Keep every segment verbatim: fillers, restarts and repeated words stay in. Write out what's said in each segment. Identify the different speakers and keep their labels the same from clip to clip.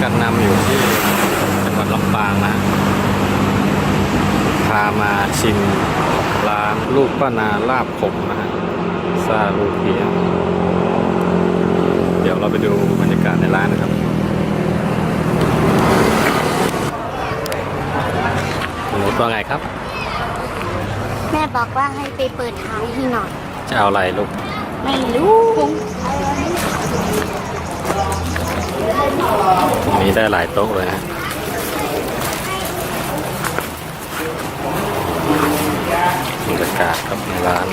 Speaker 1: กันนำอยู่ที่จังหวัดลำปางนะพามาชิมร้านลูกป้านาลาบขมนะฮะซาลูเพียเดี๋ยวเราไปดูบรรยากาศในร้านนะครับหนูตัวไงครับ
Speaker 2: แม่บอกว่าให้ไปเปิดท้ายให้หน่อย
Speaker 1: จะเอาอะไรลูก
Speaker 2: ไม่รู้
Speaker 1: ตรงนี้ได้หลายโต๊ะเลยนะบรรยากาศครับในร้าน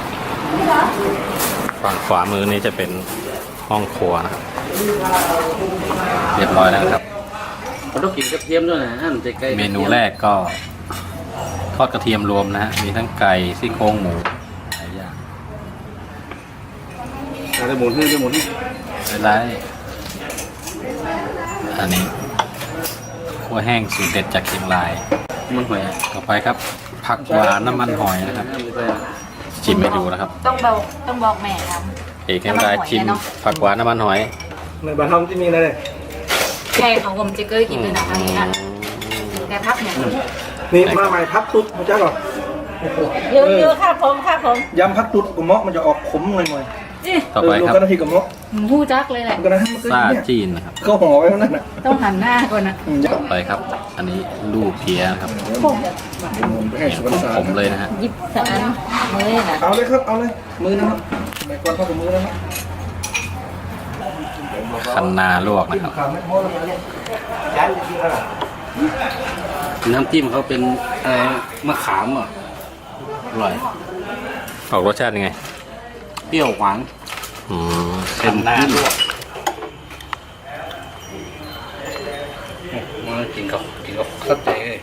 Speaker 1: ฝั่งขวามือนี้จะเป็นห้องครัวนะครับเรียบร้อยแล้วครับ
Speaker 3: เราต้องกินกระเทียมด้วยนะอันจะไก่
Speaker 1: เมนูแรกก็ทอดกระเทียมรวมนะฮะมีทั้งไก่ซี่โครงหมูหลายอย่าง
Speaker 3: ได้หมุนให้ได้หมุนให้
Speaker 1: ไม่ไรอันนี้คั่วแห้งสูตรเด็ดจากเชียงราย
Speaker 3: มันหอย
Speaker 1: ต่อไปครับผักหวานน้ำมันหอยนะครับชิมให้ดูนะครับ
Speaker 4: ต้องบอกต้องบอกแม่ท
Speaker 1: เอกเชียงรายชิมผักหวานน้ำมันหอย
Speaker 5: ในบ้านเราที่มีอะไรเลย
Speaker 4: ำใช่ของผมจะเกยกินเลยนะอันนี้อ่ะแต่พักเนี่ย
Speaker 5: นี่มาใหม่พักตุ๊ดมาจ้าก่อน
Speaker 4: เยอะเยอะค่ะผมค่ะผม
Speaker 5: ยำพักตุ๊ดกับเมาะมันจะออกขมหน่อยหน่อย
Speaker 4: นี่
Speaker 1: ต่อไปครับ
Speaker 5: ก็นาทีกับเมาะ
Speaker 4: หมูจักเลยแหละ
Speaker 5: ก็นาทีมันก็
Speaker 1: ซา
Speaker 5: เนี่ย
Speaker 1: จีนนะครับ
Speaker 5: ก็ห่อไว้นั่นน่ะ
Speaker 4: ต้องหันหน้าก่อนนะ
Speaker 5: อืม
Speaker 1: ต่อไปครับ อันนี้ลูกเพียนะครับ
Speaker 5: ไปให้สวนสา
Speaker 1: ขมๆเลยนะฮะ
Speaker 4: หยิบสารมือนะ
Speaker 5: เอาเลยครับเอาเลยมือนะครับสมัยก่อนเข้ากับมือนะครับ
Speaker 1: คันนาลวกนะครับ
Speaker 5: ขาไม่พอแล้วนะยันจะกินอะไร
Speaker 3: น้ำจิ้มเขาเป็นอะไรมะขามอ่ะอร่อย
Speaker 1: ออกรสชาติยังไง
Speaker 3: เปรี้ยวหวาน
Speaker 1: อืม
Speaker 3: เป็นน้ำลวกมากินกับกินกับข้าวเจ๊เลย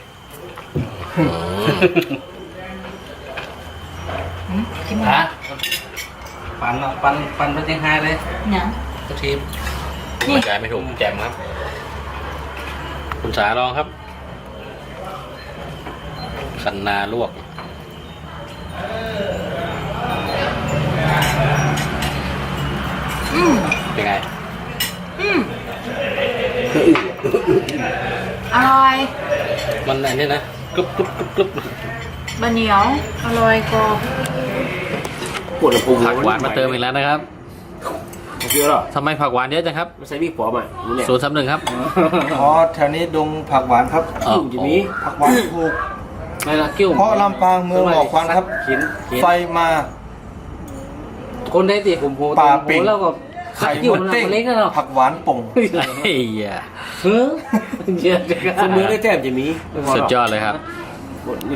Speaker 1: อืม
Speaker 4: ชิม
Speaker 3: ฮะปันอ่ะปันปันไปเชียงไฮ้เลย
Speaker 4: เนี่ย
Speaker 3: กระเทียม
Speaker 1: บรรยายไม่ถูกแจมครับ คุณสาลองครับ คันนาลวก
Speaker 4: อืม
Speaker 1: เป็นไง
Speaker 4: อืมอร่อย
Speaker 1: มันอันนี้นะกรุบกรุบกรุบกรุบบ
Speaker 4: ะเหนียวอร่อยกรอบ
Speaker 3: ปวดพุง
Speaker 1: ผักหวานมาเติมอีกแล้วนะครับ
Speaker 3: เยอะหรอ
Speaker 1: ทำไมผักหวานเยอะจังครับ
Speaker 3: ไม่ใช่มีปอมอ่ะรู้เนี่ย
Speaker 1: ศูนย์สามหนึ่งครับ
Speaker 5: อ๋อแถวนี้ดงผักหวานครับ
Speaker 1: อ๋อ
Speaker 3: อยู่นี้
Speaker 5: ผักหวานถูก
Speaker 3: ไม่ละกิ้ว
Speaker 5: เพราะลำปางเมืองหมอกควันครับ
Speaker 3: เขียนเขียน
Speaker 5: ไฟมา
Speaker 3: คนได้ตีผมโห
Speaker 5: ปลาปิ่ง
Speaker 3: แล้วก็
Speaker 5: ไข่
Speaker 3: กิ้ว
Speaker 5: มด
Speaker 3: มัน
Speaker 5: เต้ง
Speaker 3: เล็กนะเนาะ
Speaker 5: ผักหวานป่ง
Speaker 1: เฮ้ยอ่ะ
Speaker 3: เฮ้ยเยอะจัง
Speaker 6: คนเมืองได้แต้มจะมี
Speaker 1: สุดยอดเลยครับ